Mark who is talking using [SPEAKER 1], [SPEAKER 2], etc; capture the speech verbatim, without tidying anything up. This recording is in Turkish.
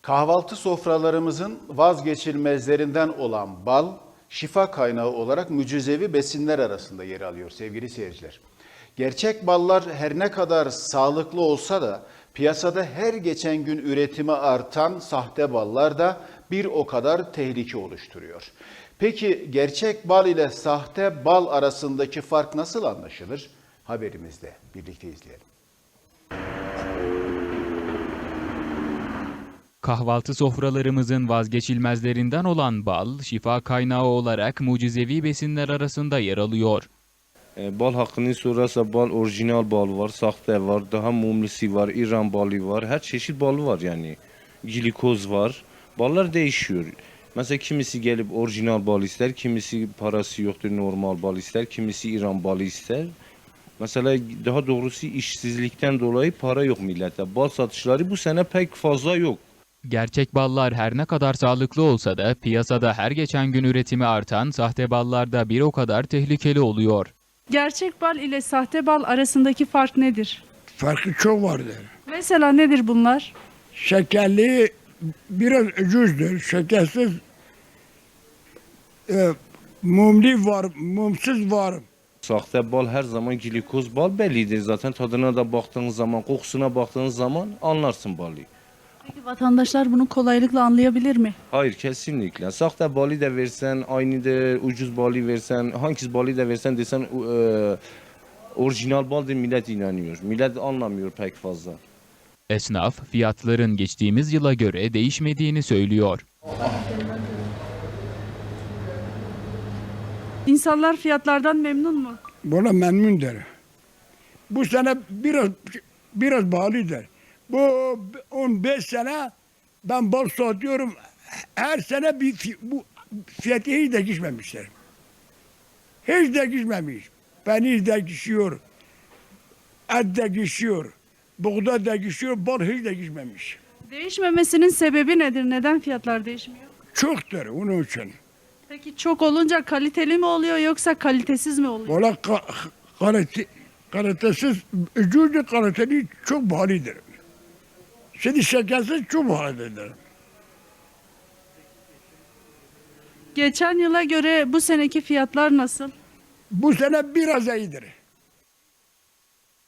[SPEAKER 1] Kahvaltı sofralarımızın vazgeçilmezlerinden olan bal, şifa kaynağı olarak mücizevi besinler arasında yer alıyor sevgili seyirciler. Gerçek ballar her ne kadar sağlıklı olsa da piyasada her geçen gün üretimi artan sahte ballar da bir o kadar tehlike oluşturuyor. Peki gerçek bal ile sahte bal arasındaki fark nasıl anlaşılır? Haberimizde birlikte izleyelim.
[SPEAKER 2] Kahvaltı sofralarımızın vazgeçilmezlerinden olan bal, şifa kaynağı olarak mucizevi besinler arasında yer alıyor.
[SPEAKER 3] E, Bal hakkını sorarsa bal orijinal bal var, sahte var, daha mumlusu var, İran balı var, her çeşit bal var yani. Glikoz var, ballar değişiyor. Mesela kimisi gelip orijinal bal ister, kimisi parası yoktur normal bal ister, kimisi İran balı ister. Mesela daha doğrusu işsizlikten dolayı para yok millete. Bal satışları bu sene pek fazla yok.
[SPEAKER 2] Gerçek ballar her ne kadar sağlıklı olsa da piyasada her geçen gün üretimi artan sahte ballar da bir o kadar tehlikeli oluyor.
[SPEAKER 4] Gerçek bal ile sahte bal arasındaki fark nedir?
[SPEAKER 5] Farkı çok vardır.
[SPEAKER 4] Mesela nedir bunlar?
[SPEAKER 5] Şekerli biraz ucuzdur. Şekersiz e, mumli var, mumsuz var.
[SPEAKER 3] Sahte bal her zaman glikoz bal bellidir. Zaten tadına da baktığınız zaman, kokusuna baktığınız zaman anlarsın balı.
[SPEAKER 4] Peki vatandaşlar bunu kolaylıkla anlayabilir mi?
[SPEAKER 3] Hayır kesinlikle. Sahte balı da versen, aynı da ucuz balı versen, hangisi balı da versen desen e, orijinal baldır millet inanıyor. Millet anlamıyor pek fazla.
[SPEAKER 2] Esnaf fiyatların geçtiğimiz yıla göre değişmediğini söylüyor.
[SPEAKER 4] İnsanlar fiyatlardan memnun mu?
[SPEAKER 5] Buna memnundur. Bu sene biraz biraz bağlıdır. Bu on beş sene ben bal satıyorum. Her sene bir fi- bu fiyatı hiç değişmemişler. Hiç değişmemiş. Peynir değişiyor. Et değişiyor. Buğday değişiyor. Bal hiç değişmemiş.
[SPEAKER 4] Değişmemesinin sebebi nedir? Neden fiyatlar değişmiyor?
[SPEAKER 5] Çoktur onun için.
[SPEAKER 4] Peki çok olunca kaliteli mi oluyor yoksa kalitesiz mi oluyor?
[SPEAKER 5] Valla ka- kalite, kalitesiz, ucuzlu kaliteli çok pahalıdır. Şimdi şekersiz çok pahalıdır.
[SPEAKER 4] Geçen yıla göre bu seneki fiyatlar nasıl?
[SPEAKER 5] Bu sene biraz iyidir.